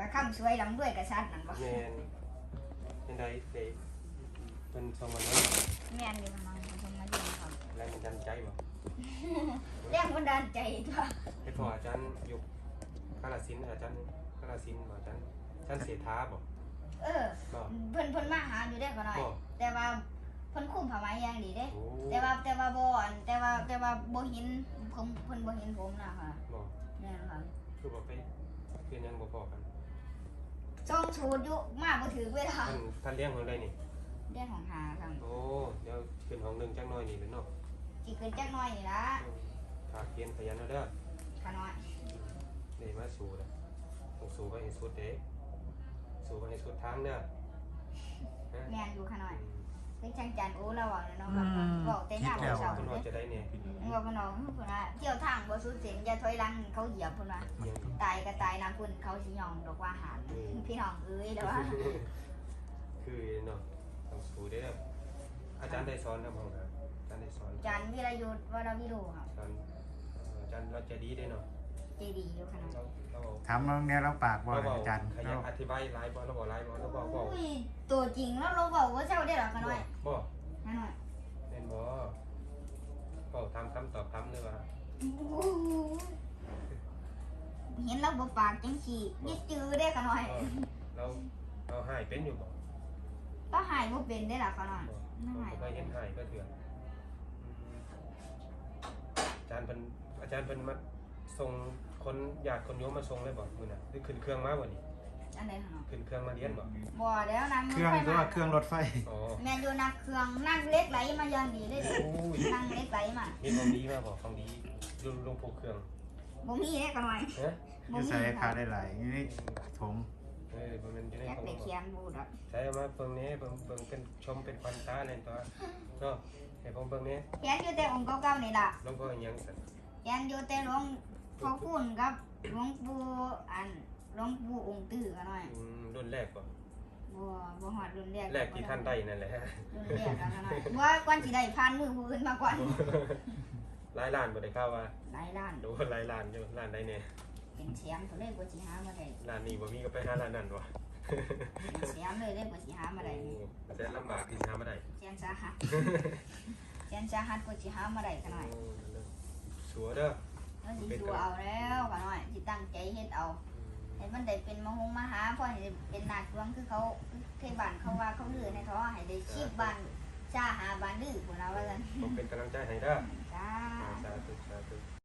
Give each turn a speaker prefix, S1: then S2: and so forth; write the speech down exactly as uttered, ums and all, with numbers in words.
S1: ว่าคำสวยลำด้วยกระชัดนั่นบ่
S2: แม่นเป็นไดเด็กเป็นทรงมันนั้น
S1: แม่นอยู่มันมันทำมาดีครับ
S2: แรงมันดันใจบ่
S1: แรงบันดาลใจตัว
S2: ไอ้พออาจารย์อยู่กาฬสินธุ์อาจารย์กาฬสินธุ์บ่อาจารย์อาจารย์เสถาบ่
S1: เออเพิ่นเพิ่นมาหาอยู่ได้ก็หน่อยแต่ว่าเพิ่นคุ้มผ้าไหมอย่างดีเด้
S2: โอ้
S1: แต่ว่าแต่ว่าบ่อันแต่ว่าแต่ว่าบ่เห็นผมเพิ่นบ่เห็นผมนะค่ะ
S2: บ่
S1: แม่นค่ะ
S2: คือบ่ไปเรียนยังบ่พอกัน
S1: จ้องชูดอยู่มาบ่ถือเวลา
S2: ท่านท่านเลี้ยงของได้นี่
S1: เรื่องของหาครับ
S2: โอ้เดี๋ยวขึ้นห้องหนึงจักหน่อยนี่แหละเนาะ
S1: สิขึ้นจักหน่อยนี่ล่ะ
S2: ฝากเรียนขยันเอาเด้อ
S1: ขาน้อย
S2: นี่มาสู่เด้อต้องสู่ไปให้สุดเด้สู่ไปให้สุดทางเด้อ
S1: แม่นอยู่ขาน้อยเป็นช่างจันโอ้ระวังนะเนาะครับบอกแต่หน้าบ่เซา
S2: คุณว่าจะได้เนี่ย
S1: บอกกันน้องพุ่นว่าเที่ยวทางบ่สุดเส้นอย่าถอยหลังเขาเหยียบพุ่นว่า
S2: ยัง
S1: ตายก็ตายน้ำพุ่นเขาสิยองดอกว่าหารพี่น้องเอ้ยแล้วว่า
S2: คือเนาะต้องสู่เด้ออาจารย์ได้สอนครับผมนะอาจารย์ได้สอน
S1: จันวิรยุทธ์วรวิโรครับ
S2: สอนอาจารย์เราจะดีได้เนาะ
S1: เจดีอยู่ขนาด
S2: เราเรา
S3: ถามว่าเนี่ยเราปากบ่
S2: เราบอก
S3: อาจารย์
S2: ขยันอธิบายไลฟ์บอลเราบอกไลฟ์บอลเราบอกบอก
S1: อุ้ยตัวจริงแล้วเราบอกว่าเจ้าได้หรอขน้อย
S2: บอก
S1: ขน้อย
S2: เล่นบอบอกทำคำตอบคำเลยว่า
S1: เห็นเราบ่ปากจังสียึดจือได้ขน้อย
S2: เราเราหายเป็นอยู่บอก
S1: ก็หายบ่เป็นได้หรอขน้อย
S2: เราเคยเห็นหายก็เถื่อนอาจารย์เป็นอาจารย์เป็นมาส่งคนญาติคนโยมมาส่งเลยบอกมือน่ะหรือขึ้นเครื่องมาวันนี้
S1: อันใดขน้อย
S2: ขึ้นเครื่องมาเรียนบอก
S1: บ่แล้วนั่ง
S3: เครื่องตัวเครื่องรถไฟ
S2: อ๋อ
S1: แม่อยู่นักเครื่องนั่งเล็กไหลมาอย่างดีเลย
S2: โอ้ย
S1: นั่งเล็กไหลมา
S2: มีของดีมาบอกของดีลุงลุงผูกเครื่อง
S1: บ่มีได้ขน้อย
S2: เฮ้ย
S1: บ่
S3: คือ
S1: มี
S3: ใส่
S1: ค
S3: ขา
S1: รับ
S3: ได้หลายนี่ถม
S2: เออมันจะได้
S1: อยาก
S2: ของ
S1: ไปเขียนบูดอก
S2: ใช้มาเบิ่งนี้เบิ่งเบิ่งเป็นชมเป็นควันตาเลยตัวเนาะให้ผมเบิ่งนี้
S1: เขียนอยู่แต่องค์เก่าๆนี่ล่ะ
S2: หลวงพ่อยังสั่น
S1: เขียนอยู่แต่หลวงพ่อคุณกับหลวงปู่อันหลวงปู่องค์ตื้อขน้อย
S2: อืมรุ่นแรกบ่
S1: บ่บ่ฮอดรุ่นแรก
S2: แรกที่ท่านได้นั่นแหละ
S1: รุ่นแรกกันขน้อยว่าก่อนสิได้ผ่านมือผู้อื่นมาก่อน
S2: หลายล้านบ่ได้เข้าว่า
S1: หลายล้าน
S2: ดูหลายล้านอยู่ล้านใดแน่
S1: เป็นแชมป์เขาเลยกว่าสิหามาได้
S2: ล้านนี้บ่มีก็ไปหาล้านนั้นบ่
S1: เป็นแชมป์เลยเลยกว่าสิหามาได้นี่
S2: แสนลำบากที่หามาได้
S1: แสนสาหัสแสนสาหัสกว่าสิหามาได้ขน้อย
S2: โอ้สัวเด้อ
S1: แล้วสิสู้เอาแล้วขน้อยสิตั้งใจเฮ็ดเอาให้มันได้เป็นมหงมหาเพราะให้ได้เป็นนาคหลวงคือเขาเคยบ้านเขาว่าเขาลือในท้อให้ได้ชีพบ้านชาหาบ้านดื้อพุ่นล่ะว่าซั่น
S2: ผมเป็นกำลังใจให้เด้อ
S1: จ้า
S2: สาธุสาธุ